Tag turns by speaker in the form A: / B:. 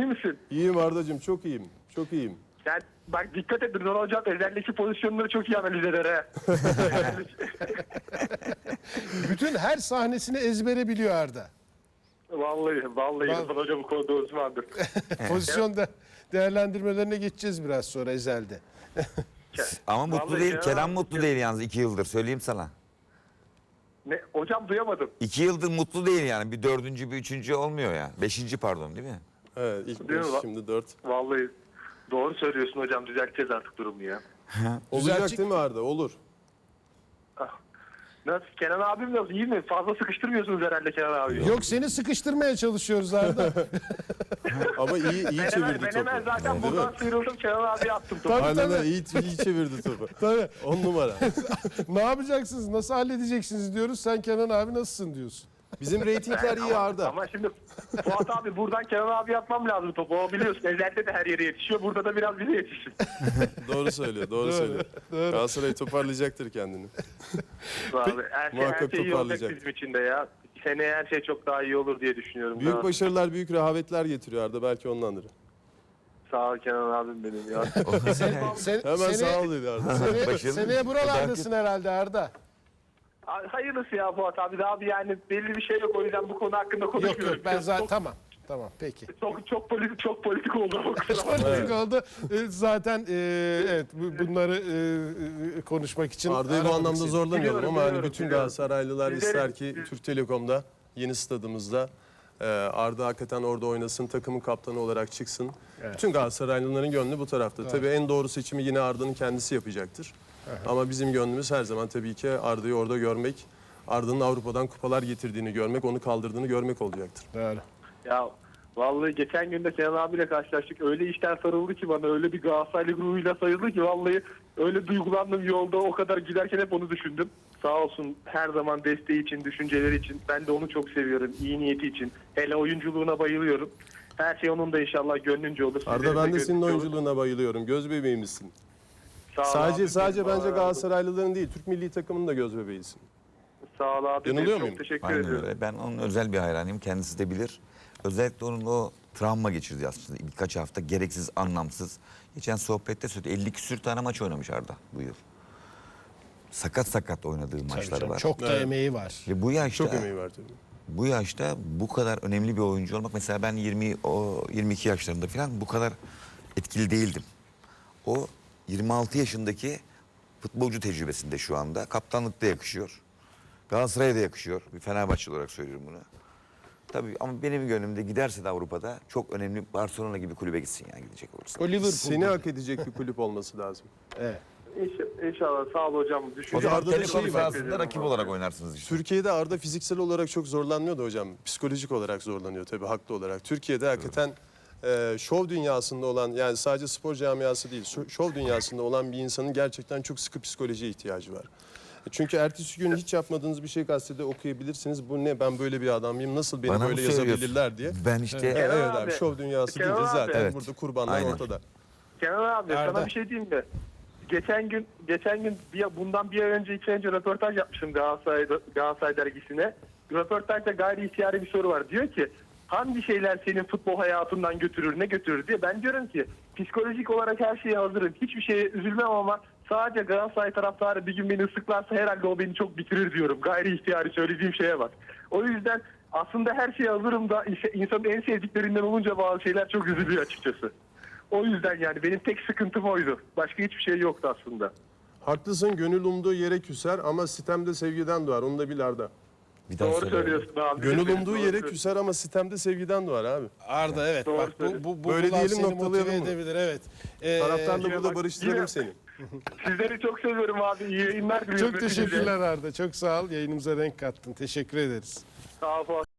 A: misin?
B: İyiyim Arda'cığım, çok iyiyim. Çok iyiyim.
A: Sen bak dikkat et Rıdvan hocam özellikle pozisyonları çok iyi analiz eder ha.
C: Bütün her sahnesini ezbere biliyor Arda.
A: Vallahi Rıdvan hocam bu konuda uzmandır.
C: Pozisyonda değerlendirmelerine geçeceğiz biraz sonra Ezel'de.
D: Ama mutlu
A: Vallahi
D: değil.
A: ya.
D: Kerem mutlu değil yalnız 2 yıldır söyleyeyim sana.
A: Ne hocam duyamadım.
D: 2 yıldır mutlu değil yani. Bir dördüncü, bir üçüncü olmuyor ya. Beşinci pardon değil mi?
B: Evet, ilk
A: Değil
B: 5,
A: mi?
B: şimdi 4.
A: Vallahi doğru söylüyorsun hocam düzelteceğiz artık durumu ya.
B: Olacak
C: Düzeltecek-
B: değil mi Arda? Olur.
A: Nasıl Kenan abim nasıl iyi mi? Fazla sıkıştırmıyorsunuz herhalde Kenan abi.
C: Yok seni sıkıştırmaya çalışıyoruz Arda.
B: Ama iyi çevirdi
A: Ben hemen
B: topu.
A: zaten
B: Değil
A: buradan
B: mi?
A: sıyrıldım Kenan abi attım topu.
C: Tabii,
B: Aynen
C: tabii.
B: öyle, iyi çevirdi topu.
C: Tabii.
B: 10 numara.
C: Ne yapacaksınız? Nasıl halledeceksiniz diyoruz. Sen Kenan abi nasılsın diyorsun.
B: Bizim reytingler iyi Arda.
A: Ama şimdi Fuat abi buradan Kenan abi atmam lazım topu. O biliyorsun Ezel'de de her yere yetişiyor. Burada da biraz bize yetişsin.
B: Doğru söylüyor, doğru söylüyor.
C: doğru.
B: Galatasaray toparlayacaktır kendini.
A: Abi, her
B: Muhakkak
A: şey iyi olacak
B: toparlayacak.
A: bizim için de ya. Seneye her şey çok daha iyi olur diye düşünüyorum.
B: Büyük
A: Daha-
B: başarılar, büyük rehavetler getiriyor Arda, belki ondandır.
A: Sağ ol Kenan abim benim ya.
B: Hemen sağ ol dedi Arda.
D: Başarılı.
C: Seneye buralardasın herhalde Arda.
A: Hayırlısı ya Fuat abi. Daha bir yani belli bir şey yok. O yüzden bu konu hakkında
C: Yok
A: konuşmuyorum.
C: yok ben zaten
A: Çok-
C: tamam peki.
A: Çok politik oldu o kadar.
C: Politik oldu. Zaten evet bunları konuşmak için
B: Arda'yı bu
C: aramadık
B: anlamda
C: seni.
B: zorlamayalım ama hani
A: Biliyorum,
B: bütün
A: biliyorum.
B: Galatasaraylılar
A: Sizleri-
B: ister ki Türk Telekom'da, yeni stadımızda Arda hakikaten orada oynasın, takımın kaptanı olarak çıksın. Bütün Galatasaraylıların gönlü bu tarafta. Tabii en doğru seçimi yine Arda'nın kendisi yapacaktır. Ama bizim gönlümüz her zaman tabii ki Arda'yı orada görmek, Arda'nın Avrupa'dan kupalar getirdiğini görmek, onu kaldırdığını görmek olacaktır.
C: Doğru.
A: Ya vallahi geçen gün de Kenan abiyle karşılaştık. Öyle işten sarıldı ki bana. Öyle bir Galatasaraylı ruhuyla sarıldı ki vallahi öyle duygulandım yolda. O kadar giderken hep onu düşündüm. Sağ olsun her zaman desteği için, düşünceleri için. Ben de onu çok seviyorum. İyi niyeti için. Hele oyunculuğuna bayılıyorum. Her şey onun da inşallah gönlünce olur.
B: Arda
A: Sizlerin
B: ben de
A: de
B: senin
A: gönlünce olur.
B: oyunculuğuna bayılıyorum. Göz bebeğimizsin.
A: Sağ ol
B: Sadece
A: abi,
B: bence
A: Allah razı olsun.
B: Galatasaraylıların değil, Türk milli takımının da göz bebeğisin.
A: Sağ ol abi.
B: Yanılıyor
A: Çok
B: muyum?
A: teşekkür
D: Aynen
A: ediyorum.
D: öyle. Ben onun özel bir hayranıyım. Kendisi de bilir. Özellikle onun o travma geçirdi aslında. Birkaç hafta gereksiz, anlamsız. Geçen sohbette söyledi. 50 küsür tane maç oynamış Arda bu yıl. Sakat oynadığı maçları var.
C: Çok da emeği var.
D: Ve bu yaşta
B: Çok emeği var tabii.
D: bu yaşta bu kadar önemli bir oyuncu olmak, mesela ben 22 yaşlarında falan bu kadar etkili değildim. O 26 yaşındaki futbolcu tecrübesinde şu anda. Kaptanlık da yakışıyor. Galatasaray'a da yakışıyor. Bir Fenerbahçe olarak söylüyorum bunu. Tabii ama benim gönlümde giderse de Avrupa'da çok önemli Barcelona gibi kulübe gitsin yani gidecek olursa.
C: O Liverpool.
B: Seni hak edecek bir kulüp olması lazım.
C: Evet.
A: İnşallah sağ ol hocam.
D: O
A: Düşünce
D: zaman
B: Arda'da
D: Telekom
B: şey var.
D: sahasında rakip olarak oynarsınız işte.
B: Türkiye'de Arda fiziksel olarak çok zorlanmıyor da hocam. Psikolojik olarak zorlanıyor tabii, haklı olarak. Türkiye'de hakikaten şov dünyasında olan, yani sadece spor camiası değil, şov dünyasında olan bir insanın gerçekten çok sıkı psikolojiye ihtiyacı var. Çünkü ertesi gün hiç yapmadığınız bir şey gazetede okuyabilirsiniz. Bu ne, ben böyle bir adam mıyım, nasıl beni
D: Bana mı
B: böyle
D: söylüyorsun?
B: yazabilirler diye.
D: Ben işte
B: Evet,
A: Kenan
B: evet abi,
A: abi,
B: şov dünyası
A: Kenan
B: deyince
A: abi.
B: zaten
D: Evet.
B: burada kurbanlar
D: Aynen.
B: ortada.
A: Kenan abi
C: Arda.
A: sana bir şey diyeyim mi? Geçen gün bundan bir ay önce 2 ay önce röportaj yapmışım Galatasaray dergisine. Röportajda gayri ihtiyari bir soru var. Diyor ki hangi şeyler senin futbol hayatından götürür, ne götürür diye. Ben diyorum ki psikolojik olarak her şeye hazırım. Hiçbir şeye üzülmem ama sadece Galatasaray taraftarı bir gün beni ıslıklarsa herhalde o beni çok bitirir diyorum. Gayri ihtiyari söylediğim şeye bak. O yüzden aslında her şeye hazırım da insanın en sevdiklerinden olunca bazı şeyler çok üzülüyor açıkçası. O yüzden yani benim tek sıkıntım oydu. Başka hiçbir şey yoktu aslında.
B: Haklısın, gönül umduğu yere küser ama sitemde sevgiden doğar. Onu da bil Arda.
D: bir daha
A: Doğru
D: söyle.
A: söylüyorsun abi.
B: Gönül umduğu
A: Doğru
B: yere
A: söylüyorsun.
B: küser ama sitemde sevgiden doğar abi.
C: Arda evet
A: Doğru
C: bak
A: söylüyorsun.
C: bu
B: Böyle
C: bunlar
B: diyelim,
C: seni
B: noktalayalım
C: motive
B: mı?
C: edebilir evet.
B: Taraftarla
A: yine
B: burada
A: bak,
B: barıştıralım
A: yine-
B: seni.
A: Sizleri çok seviyorum abi. İyi yayınlar diliyorum.
C: Çok teşekkürler Arda. Çok sağ ol. Yayınımıza renk kattın. Teşekkür ederiz.
A: Sağ ol.